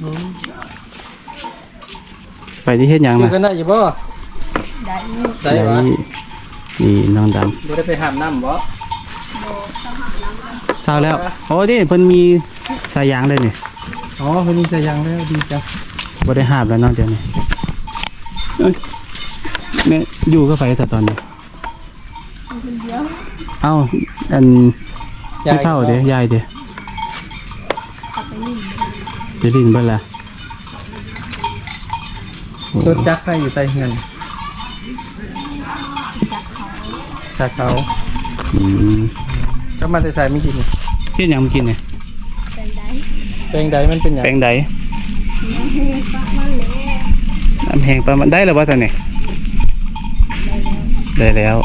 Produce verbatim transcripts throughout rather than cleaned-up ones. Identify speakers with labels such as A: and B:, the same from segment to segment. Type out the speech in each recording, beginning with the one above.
A: ไปที่เฮ็ดหยังน่ะ
B: อยู่กันได้อยู่บ่
C: ได้
B: ได้วะ
A: นี่น้องดำ
B: บ่ได้ไปหามน้ำบ่
A: เช้าแล้วโอ้นี่เพิ่นมีสายยางเลยนี่
B: อ๋อเพิ่นมีสายยางแล้วดีจัง
A: บ่ได้หาบแล้วเนาะเดี๋ยวนี้แม่อยู่กับไผซะตอนนี้เอ้าอันยายเฒ่าเด้ยายเด้จะลินเบิ่ล่ะ
B: รถจักรให้อยู่ใต้เงินจากเขา
A: อืม
B: ก็มาแต่ใส่ไม่กิน
A: เฮ็ดหยังกินเนี่ย
C: แปลงใด
B: แปลงใดมันเป็นหยัง
A: แปลงใด
C: น้ำแห้งปะมันแหละ
A: น้ำแห้งปะมันได้แล้วบ่ซั่นนี่ได้แล้ว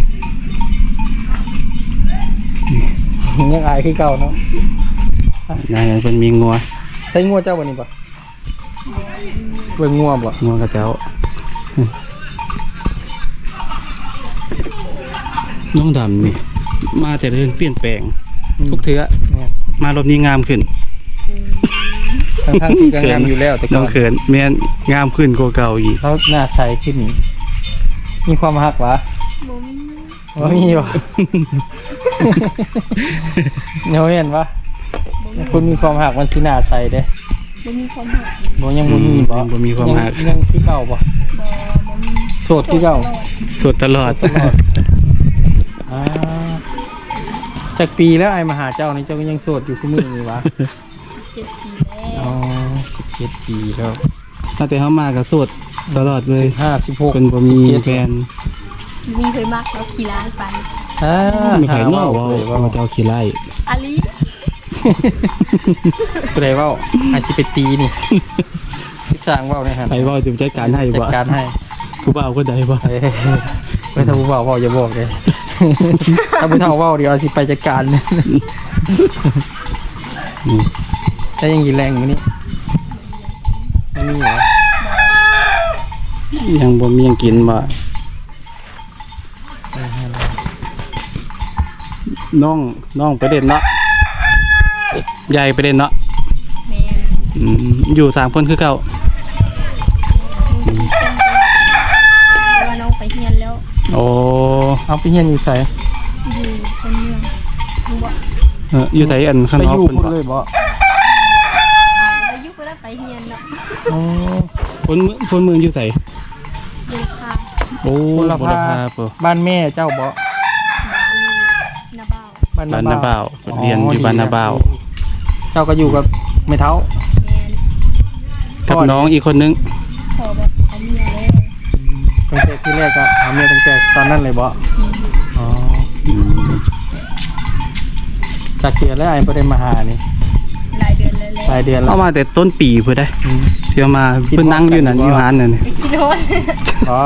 B: ยังอายคือเก่าเนาะ
A: นายเพิ่นมีงัว
B: ใช้งัวเจ้าบ่นี่บ่เบิ่งงัวบ่
A: งัวกับเจ้าน้องดำนี่มาแต่เรื่องเปลี่ยนแปลงทุกเทื่อมารอบนี้งามขึ้น
B: ทั้งๆที่ก็งามอยู่แล้วแต่
A: น้องเขินแม่นงามขึ้นกว่าเก่าอีก
B: เขาหน้าใสขึ้นมีความฮักวะบ่มีวะเนาะเห็นปะคุณมีความฮักมันสิหน้าใสเด้
C: บ่มีความฮัก
B: บ่ยังบ่มีบ่
A: บ่มีความฮัก
B: ยังคือเก่าบ่
C: บ่บ่มี
B: โสดคือเก่า
A: โสดตลอด
B: ตลอดอ่าจากปีแล้วไอ้มาหาเจ้านี่เจ้าก็ยังโสดอยู่คือมื้อนี้วะ
C: สิบเจ็ดปีแล้ว
B: อ๋อสิบเจ็ดปีแล้ว
A: ตั้งแต่เฮามาก็โสดตลอดเลย
B: ห้าสิบหก
A: เพิ่นบ่มีแฟน
C: มีเคยมักแล้วขี่ร้านไป
B: อ่า
A: มีใครเนาะว่าว่าเจ้าขี้ไล่
C: อาลี
B: ผู้ใดเว้าอาจสิไปตีนี่ที่สร้างเว้าได้หั่น
A: ไปเว้าจะจัดการให้บ่
B: จัดการให้
A: ผู้บ่าวคนใดบ่
B: เอ้ยไว้ถ้าผู้บ่าวเว้าอย่าบอกเด้ถ้าผู้เฒ่าเว้าเดี๋ยวเอาสิไปจัดการถ้ายังกินแรงมื้อนี้ไม่มีเหรอ
A: ยังบ่มียังกินบ่น้องน้องไปเด่นเนาะใหญ่ไปเด่นเนาะ
C: แม่
A: อืมอยู่สามคนคือเก่า
C: ว่าน้องไปเฮียนแล้ว
A: โอ้
B: เอาไปเฮียนอยู่ไส
C: อยู่คนเมืองรู้บ่
A: เอออยู่ไสอันข้างนอกเพิ่นบ่
B: เลยบ่
C: ไปอยู่ไปแล้วไปเฮียนเนาะ
A: อ๋อคนเมืองคนเมืองอยู่ไส
C: บุรพา
A: โอ้บุรพา
B: บ้านแม่เจ้าบ่
C: บ้านนาบ่าว
A: บ้านนาบ่าวเรียนอยู่บ้านนาบ่าว
B: เจ้าก็อยู่กับแม่เฒ่า
C: แม่น
A: กับน้องอีกคนนึง
C: พอแบบเอาเมียแล้ว
B: ตั้งแต่ที่แรกก็เอาเมียตั้งแต่ตอนนั้นเลยบ่อ๋อจากเดือนแล้วไอ้บ่ได้มาหานี่
C: หลายเดือนเลย
B: หลายเดือนแล้ว
A: เอามาแต่ต้นปีเพิ่นได้เที่ยวมาเพิ่นนั่งอยู่นั่นอยู่ร้านนั่นนี่
C: โดน
B: อ๋อ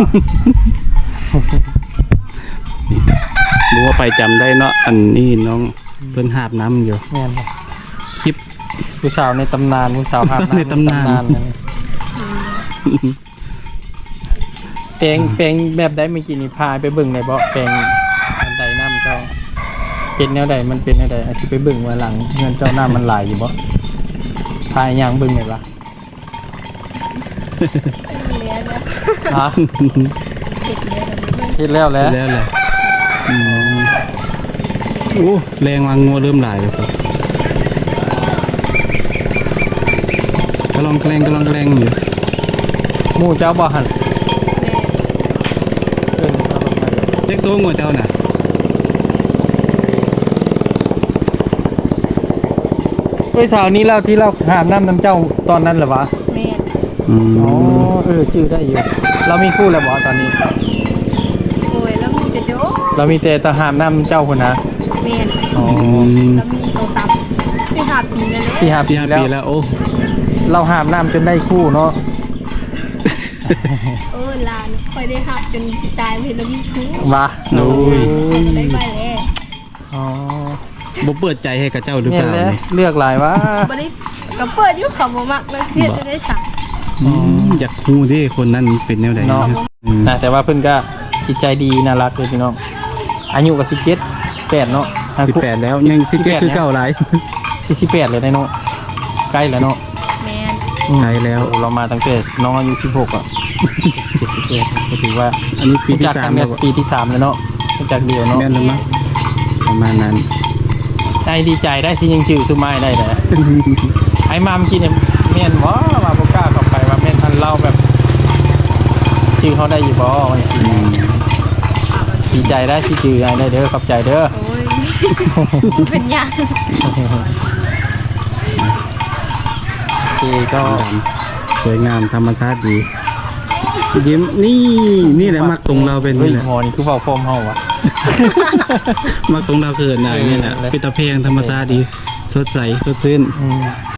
A: รู้ว่าไปจำได้เนาะอันนี้น้องเพิ่นหาบน้ำอยู่
B: แม่นบ่
A: คลิป
B: ผู้สาวในตำนานผู้สาวหาบน้ำ
A: ในตำนาน
B: แปลงแปลงแบบใดเมื่อกี้นี่พาไปเบิ่งได้บ่แปลงอันใดน้ำเจ้าเป็นแนวใดมันเป็นแนวใดอาจสิไปเบิ่งว่าหลังเงินเจ้าน้ำมันหลายอยู่บ่พาย่างเบิ่งได้บ่ล่ะ
C: เลี้ยงแล้ว
B: ฮะเฮ็ดแล้วแหละ
A: แล้วแหละอืมโอ้แรงวางงัวเริ่มหลายแล้วครับกระลองแกล้งกระลองแกล้งอยู่
B: หมู่เจ้าบ่หั่น
C: แม่
B: เอิ้นเอาลงมา
A: เด็กโตงัวเจ้าน่ะ
B: เอ้ยสาวนี้แล้วที่เราหามน้ำน้ำเจ้าตอนนั้นเหรอวะ
C: แม่
A: อืม
B: อ๋อเออชื่อได้อยู่เรามีคู่แล้วบ่ตอนนี้
C: โอ้ยแล้วมีแต่โด
B: เรามีแต่ตะหามน้ำเจ้าคนนะ
C: แม่
B: อ๋อ
C: แล้วมีโทรศัพท์ที่หาปีแล้ว
B: ที่หาปี
A: แล้วโอ้
B: เราหามน้ำจนได้คู่เนาะ
C: เออลานค่อยได้หักจนตายไปแล้วมีคู่
B: มาโอ้ย
C: ได้ไปแล้ว
B: อ๋อ
A: บ่เปิดใจให้กับเจ้าหรือเปล่า
B: เลือกหลายว่า
C: บ่ได้ก็เปิดอยู่เขาบ่มักแล้วเสียจะได้สั่ง
A: อยากฮู้ดิคนนั้นเป็นแนวใด
B: เนาะนะแต่ว่าเพิ่นก็จิตใจดีน่ารักเลยพี่น้องอายุก็สิบเจ็ด แปดเนาะ
A: สิบแปดแล้วยังสิบเจ็ดคือเก่าหลาย
B: สิบแปดเลยได้เนาะใกล้แล้วเนาะ
C: แม่น
A: ไกลแล้ว
B: โอ้เรามาตั้งแต่น้องอายุสิบหกอ่ะเจ็ดสิบเอ็ดก็ถือว่า
A: อันนี้ปี
B: รู้
A: ที่
B: จัก
A: สา
B: กั
A: ม
B: น
A: แล้
B: เนี่
A: วย
B: ปีที่สามแล้วเนาะรู้จักเดียวเนาะ
A: แม่นแล้วมั้งประมาณนั้น
B: ได้ดีใจได้ที่ยังจื่อซื้อไม้ได้เลย ไอ้มาเมื่อกี้เนี่ยเมียนว่าว่าโบกล้าเข้าไปว่าเมียนทันเล่าแบบจื่อเขาได้อยู่บ่วันนี้
A: อืม
B: ดีใจได้ที่จื่อได้เด้อขอบใจเด้อ
C: โอ้ย เป็นหยัง
B: โอเคก็
A: ดำสวยงามธรรมชาติดียิ้มนี่นี่แหละมักตรงเราเป็น
B: ฮ้ย
A: นี่แหละ
B: หมอนี่คือเฝ้าโฟมเฮาวะ
A: มักตรงเราเกิดนายนี่แหละ
B: เออ
A: เป็นตะเพงธรรมชาติดี สดใสสดชื่น
B: อืม